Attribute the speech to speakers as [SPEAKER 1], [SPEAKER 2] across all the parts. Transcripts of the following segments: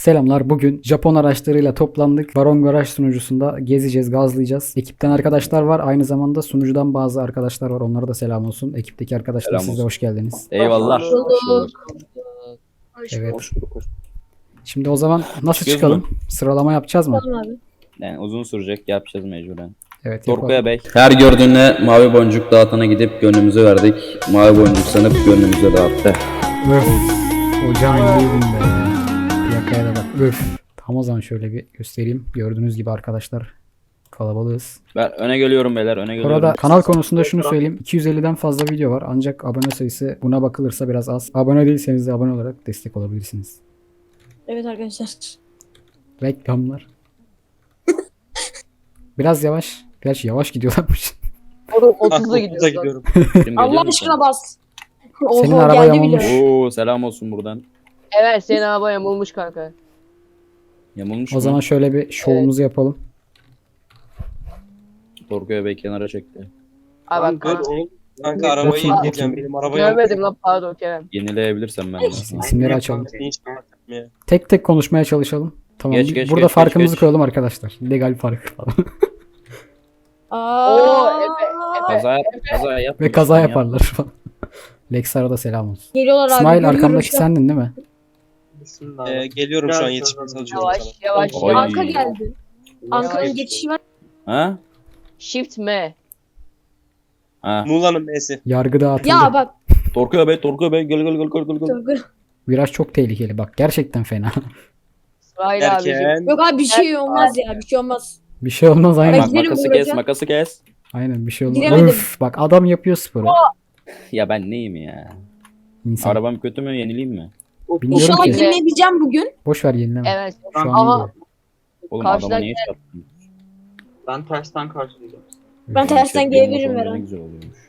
[SPEAKER 1] Selamlar. Bugün Japon araçlarıyla toplandık. Baron Garaj sunucusunda gezeceğiz, gazlayacağız. Ekipten arkadaşlar var. Aynı zamanda sunucudan bazı arkadaşlar var. Onlara da selam olsun. Ekipteki arkadaşlar
[SPEAKER 2] Selam
[SPEAKER 1] siz de
[SPEAKER 2] olsun.
[SPEAKER 1] hoş geldiniz.
[SPEAKER 2] Eyvallah.
[SPEAKER 3] Hoş bulduk.
[SPEAKER 1] Evet.
[SPEAKER 2] Hoş bulduk.
[SPEAKER 1] Şimdi o zaman nasıl
[SPEAKER 2] Çıkıyoruz
[SPEAKER 1] çıkalım?
[SPEAKER 2] mu?
[SPEAKER 1] Sıralama yapacağız mı?
[SPEAKER 3] Tamam abi.
[SPEAKER 2] Yani uzun sürecek, yapacağız mecburen.
[SPEAKER 1] Evet, yapalım.
[SPEAKER 2] Dorko'ya bey.
[SPEAKER 4] Her gördüğüne mavi boncuk dağıtana gidip gönlümüzü verdik. Mavi boncuk sanıp gönlümüzü dağıttı.
[SPEAKER 1] Öf. Hocam iyiydim be. Plakaya da bak. Öf. Tam o zaman şöyle bir göstereyim. Gördüğünüz gibi arkadaşlar kalabalığız.
[SPEAKER 2] Ben öne geliyorum beyler, öne geliyorum.
[SPEAKER 1] Orada kanal konusunda şunu söyleyeyim. 250'den fazla video var. Ancak abone sayısı buna bakılırsa biraz az. Abone değilseniz de abone olarak destek olabilirsiniz.
[SPEAKER 3] Evet arkadaşlar.
[SPEAKER 1] Reklamlar. Biraz yavaş. Gerçi yavaş gidiyorlarmış.
[SPEAKER 5] 30'da gidiyorum.
[SPEAKER 2] Kim
[SPEAKER 3] Allah
[SPEAKER 2] geliyor mu
[SPEAKER 3] aşkına bas.
[SPEAKER 1] Senin
[SPEAKER 3] Oho,
[SPEAKER 1] araba
[SPEAKER 3] geldi
[SPEAKER 1] yamulmuş.
[SPEAKER 3] bile.
[SPEAKER 2] Oo, selam olsun buradan.
[SPEAKER 5] Evet senin araba yamulmuş kanka.
[SPEAKER 2] Yamulmuş
[SPEAKER 1] O
[SPEAKER 2] mu?
[SPEAKER 1] zaman şöyle bir şovumuzu yapalım.
[SPEAKER 2] Dorko'ya bey kenara çekti.
[SPEAKER 5] Abi bak kanka.
[SPEAKER 6] Kanka arabayı
[SPEAKER 1] Bakayım,
[SPEAKER 6] yenileyeceğim.
[SPEAKER 1] bakayım.
[SPEAKER 6] Benim arabaya
[SPEAKER 5] Görmedim lan pardon Kerem.
[SPEAKER 2] Yenileyebilirsem ben de.
[SPEAKER 1] İsimleri açalım.
[SPEAKER 6] Hiç ya.
[SPEAKER 1] Tek tek konuşmaya çalışalım. Tamam.
[SPEAKER 2] Geç,
[SPEAKER 1] Burada
[SPEAKER 2] geç,
[SPEAKER 1] farkımızı
[SPEAKER 2] geç.
[SPEAKER 1] koyalım arkadaşlar. Legal fark falan.
[SPEAKER 5] Oo,
[SPEAKER 3] Aa,
[SPEAKER 2] Kaza yap, kaza yap.
[SPEAKER 1] Ve kaza yaparlar falan. Lexar'a da selam olsun.
[SPEAKER 3] Geliyorlar abi.
[SPEAKER 1] İsmail
[SPEAKER 3] görüyorum
[SPEAKER 1] arkamdaki
[SPEAKER 3] şu an.
[SPEAKER 1] sendin değil mi?
[SPEAKER 6] Geliyorum şu an yetişmeye çalışıyorum sana.
[SPEAKER 5] Yavaş yavaş
[SPEAKER 2] Oy.
[SPEAKER 5] yavaş.
[SPEAKER 3] Anka geldi. Anka'nın
[SPEAKER 5] Yavaş.
[SPEAKER 3] geçişi var.
[SPEAKER 2] Ha?
[SPEAKER 5] Shift M.
[SPEAKER 2] Ha.
[SPEAKER 6] Muğla'nın M'si.
[SPEAKER 1] Yargı dağıtıldı.
[SPEAKER 3] Ya bak.
[SPEAKER 2] Dorko'ya bey, gel gel gel gel gel.
[SPEAKER 3] Dur, dur.
[SPEAKER 1] Viraj çok tehlikeli bak. Gerçekten fena.
[SPEAKER 5] İsmail abicim.
[SPEAKER 6] Derken
[SPEAKER 3] Yok abi bir şey olmaz ya. Bir şey olmaz.
[SPEAKER 1] Bir şey olmaz aynen.
[SPEAKER 2] Bak
[SPEAKER 3] giderim
[SPEAKER 2] makası
[SPEAKER 3] vuracağım.
[SPEAKER 2] kes, makası kes.
[SPEAKER 1] Aynen bir şey olmaz.
[SPEAKER 3] Giremedim.
[SPEAKER 1] Öf, bak adam yapıyor sporu.
[SPEAKER 2] Ya ben neyim ya?
[SPEAKER 1] İnsan.
[SPEAKER 2] Arabam kötü mü, yenileyim mi?
[SPEAKER 1] Bilmiyorum
[SPEAKER 3] İnşallah
[SPEAKER 1] ki.
[SPEAKER 3] dinleyebileceğim bugün.
[SPEAKER 1] Boş ver yenileme.
[SPEAKER 5] Evet.
[SPEAKER 1] Şu an iyi
[SPEAKER 5] Aha.
[SPEAKER 1] gidiyor.
[SPEAKER 2] Oğlum
[SPEAKER 5] Karşıdan
[SPEAKER 2] adama niye çarptın?
[SPEAKER 7] Ben tersten karşılayacağım.
[SPEAKER 3] Ben tersten gelebilirim
[SPEAKER 2] Motorla ne
[SPEAKER 3] Eren.
[SPEAKER 2] güzel oluyormuş.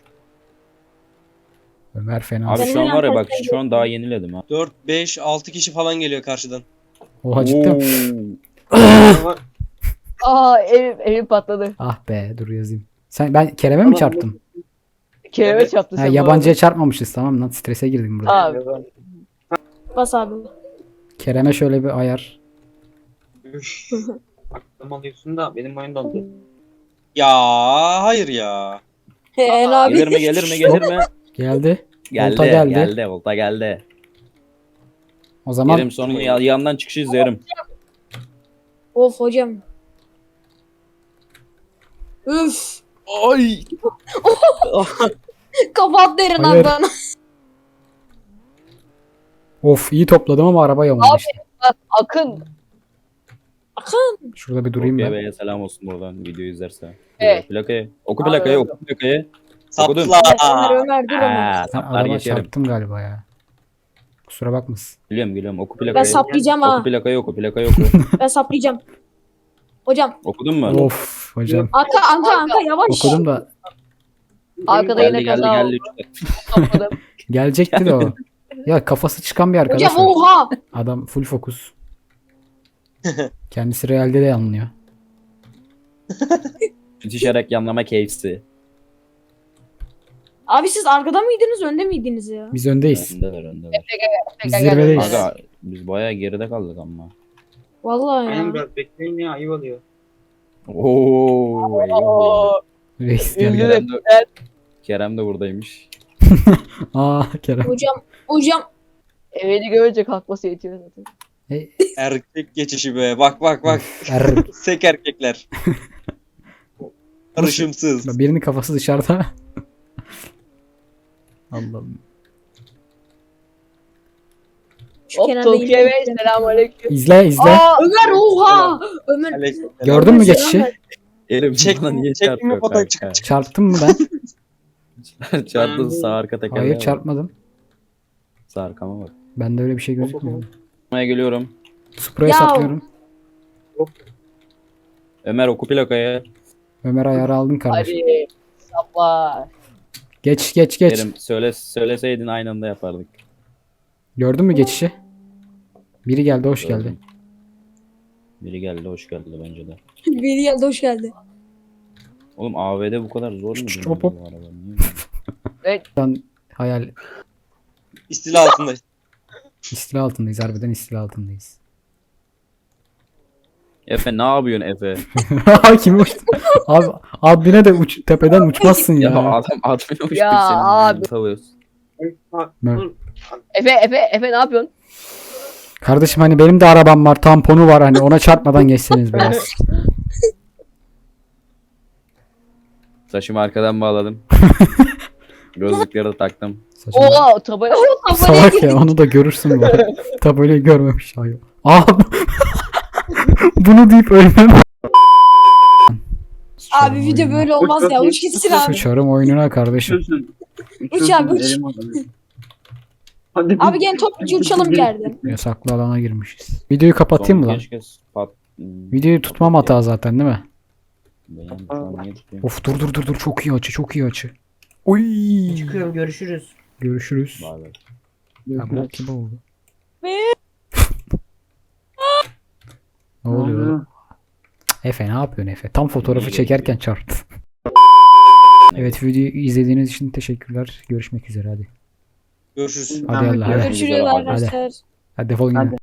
[SPEAKER 1] Ömer fena.
[SPEAKER 2] Abi
[SPEAKER 3] Senin
[SPEAKER 2] şu an var ya bak
[SPEAKER 3] tersten
[SPEAKER 2] şu an daha yeniledim ha.
[SPEAKER 6] 4, 5, 6 kişi falan geliyor karşıdan.
[SPEAKER 1] Oha cidden. mi?
[SPEAKER 2] Oo.
[SPEAKER 5] Aa evim patladı.
[SPEAKER 1] Ah be dur yazayım. Ben Kerem'e mi çarptım?
[SPEAKER 5] Kerem'e
[SPEAKER 7] Evet.
[SPEAKER 5] çarptı
[SPEAKER 1] Ha,
[SPEAKER 5] sen.
[SPEAKER 1] yabancıya çarpmamışız tamam lan strese girdim burada.
[SPEAKER 5] Abi.
[SPEAKER 3] Bas abi.
[SPEAKER 1] Kerem'e şöyle bir ayar.
[SPEAKER 7] Üf. Aklım alıyorsun da benim oyun dondu.
[SPEAKER 6] Ya hayır ya.
[SPEAKER 3] En abi.
[SPEAKER 2] Gelir mi gelir mi gelir mi?
[SPEAKER 1] Geldi.
[SPEAKER 2] Geldi
[SPEAKER 1] Volta geldi.
[SPEAKER 2] geldi volta geldi.
[SPEAKER 1] O zaman
[SPEAKER 2] Yerim sonu yandan çıkışı izlerim.
[SPEAKER 3] Of hocam. Üf.
[SPEAKER 2] Ay.
[SPEAKER 3] Kapat derin
[SPEAKER 1] Hayır.
[SPEAKER 3] abi bana.
[SPEAKER 1] of iyi topladım ama araba yamulmuş.
[SPEAKER 5] Bak Akın.
[SPEAKER 1] Şurada bir durayım
[SPEAKER 2] Dorko'ya
[SPEAKER 1] ben.
[SPEAKER 2] beye selam olsun buradan videoyu izlerse.
[SPEAKER 5] Evet.
[SPEAKER 2] Plakayı. Oku plakayı oku plakayı. Okudun.
[SPEAKER 6] Sapla.
[SPEAKER 3] Ömer dur Ömer.
[SPEAKER 2] Aa,
[SPEAKER 1] Ben
[SPEAKER 2] saplar
[SPEAKER 1] araba
[SPEAKER 2] geçerim.
[SPEAKER 1] çarptım galiba ya. Kusura bakmasın.
[SPEAKER 2] Geliyorum oku plakayı.
[SPEAKER 3] Ben saplayacağım ha.
[SPEAKER 2] Oku plakayı oku plakayı oku.
[SPEAKER 3] Ben saplayacağım. Hocam.
[SPEAKER 2] Okudun mu?
[SPEAKER 1] Of hocam.
[SPEAKER 3] Anka yavaş.
[SPEAKER 1] Okudum da
[SPEAKER 5] Arkada
[SPEAKER 2] Geldi
[SPEAKER 5] yine
[SPEAKER 2] geldi
[SPEAKER 5] kaza
[SPEAKER 2] geldi.
[SPEAKER 5] oldu. Topladım.
[SPEAKER 1] gelecekti de o. Ya kafası çıkan bir arkadaş
[SPEAKER 3] Hocam
[SPEAKER 1] var.
[SPEAKER 3] oha.
[SPEAKER 1] Adam full fokus. Kendisi realde de yanlıyor.
[SPEAKER 2] Düşerek yanlama keyfisi.
[SPEAKER 3] Abi siz arkada mıydınız önde miydiniz ya?
[SPEAKER 1] Biz öndeyiz.
[SPEAKER 2] Öndeler.
[SPEAKER 1] Biz zirvedeyiz.
[SPEAKER 2] Aga biz bayağı geride kaldık ama.
[SPEAKER 3] Vallahi
[SPEAKER 7] Aynen
[SPEAKER 3] ya.
[SPEAKER 7] biraz bekleyin ya ayıp oluyor.
[SPEAKER 2] Oo. eyvah.
[SPEAKER 5] Oo.
[SPEAKER 1] Reis
[SPEAKER 5] Üzüldüm.
[SPEAKER 1] geldi.
[SPEAKER 2] Kerem de, Kerem de buradaymış.
[SPEAKER 1] Aa Kerem.
[SPEAKER 3] Hocam
[SPEAKER 5] Evini görünce kalkması yetiyor zaten.
[SPEAKER 1] Hey,
[SPEAKER 6] Erkek geçişi be. Bak bak bak.
[SPEAKER 1] er,
[SPEAKER 6] Sek erkekler. Karışımsız.
[SPEAKER 1] birinin kafası dışarıda. Allah'ım.
[SPEAKER 3] şu
[SPEAKER 5] Hop
[SPEAKER 3] kenarda
[SPEAKER 5] Tokyo
[SPEAKER 3] yine-
[SPEAKER 5] Bey selamünaleyküm.
[SPEAKER 1] İzle izle.
[SPEAKER 5] Aa
[SPEAKER 3] Ömer oha. Ömer.
[SPEAKER 6] Aleyküm.
[SPEAKER 1] Gördün mü
[SPEAKER 3] Selam
[SPEAKER 1] geçişi?
[SPEAKER 3] ver.
[SPEAKER 2] Elim
[SPEAKER 6] Çek-
[SPEAKER 2] bana niye
[SPEAKER 6] çekme
[SPEAKER 2] çarpıyor
[SPEAKER 6] fotoğraf
[SPEAKER 2] kanka?
[SPEAKER 1] Çarptım mı ben?
[SPEAKER 2] Çarptın sağ arka tekerleğe
[SPEAKER 1] Hayır
[SPEAKER 2] bak.
[SPEAKER 1] çarpmadım.
[SPEAKER 2] Sağ arkama bak.
[SPEAKER 1] Bende öyle bir şey gözükmüyor.
[SPEAKER 2] Buraya geliyorum.
[SPEAKER 1] Spro'ya
[SPEAKER 3] Ya.
[SPEAKER 1] saplıyorum.
[SPEAKER 2] Ömer oku plakayı.
[SPEAKER 1] Ömer ayarı aldın kardeşim.
[SPEAKER 5] hadi. Saplar.
[SPEAKER 1] Geç geç geç.
[SPEAKER 2] Kerim söyleseydin aynı anda yapardık.
[SPEAKER 1] Gördün mü geçişi? Biri geldi hoş geldi.
[SPEAKER 2] Gördüm. Biri geldi hoş geldi bence de.
[SPEAKER 3] Biri geldi hoş geldi.
[SPEAKER 2] Oğlum AV'de bu kadar zor mu?
[SPEAKER 1] Şşt, hop, hop.
[SPEAKER 2] bu araba? Niye?
[SPEAKER 1] Şu an hayal
[SPEAKER 6] İstila altında.
[SPEAKER 1] istila altındayız. Harbiden istila altındayız.
[SPEAKER 2] Efe ne yapıyorsun Efe?
[SPEAKER 1] Kim uçtu? Abi admine de tepeden uçmazsın
[SPEAKER 2] Ya
[SPEAKER 1] ya.
[SPEAKER 2] adam admin uçtu
[SPEAKER 5] Ya
[SPEAKER 2] senin.
[SPEAKER 5] abi.
[SPEAKER 2] Tavuyoruz.
[SPEAKER 5] Efe ne yapıyorsun?
[SPEAKER 1] Kardeşim hani benim de arabam var, tamponu var, hani ona çarpmadan geçseniz biraz.
[SPEAKER 2] Saçımı arkadan bağladım. Gözlükleri de taktım.
[SPEAKER 1] Saçma.
[SPEAKER 5] Oha tabela.
[SPEAKER 1] Salak ya, onu da görürsün bu arada. Tabelayı görmemiş ayol. Abi bunu deyip ölmem.
[SPEAKER 3] Abi video böyle olmaz ya. Uç gitsin abi.
[SPEAKER 1] Sıçarım oyununa kardeşim.
[SPEAKER 3] Uç abi, uç.
[SPEAKER 7] Hadi
[SPEAKER 3] Abi gel topluca uçalım bir yerden.
[SPEAKER 1] Yasaklı alana girmişiz. Videoyu kapatayım mı lan?
[SPEAKER 2] Keşke
[SPEAKER 1] Videoyu tutmam hata zaten değil mi?
[SPEAKER 2] Benim şu an niye tutuyorum?
[SPEAKER 1] Of dur çok iyi açı, çok iyi açı. Oy.
[SPEAKER 8] Çıkıyorum, görüşürüz.
[SPEAKER 1] Görüşürüz.
[SPEAKER 2] Bay bay.
[SPEAKER 1] Ha, bu gibi oldu. Ne oluyor? Efe ne yapıyorsun Efe? Tam fotoğrafı çekerken çarptı. Evet, videoyu izlediğiniz için teşekkürler. Görüşmek üzere hadi.
[SPEAKER 6] Görüşürüz.
[SPEAKER 1] Hadi Allah hadi.
[SPEAKER 3] Görüşürüz arkadaşlar.
[SPEAKER 1] Hadi defolun gidin.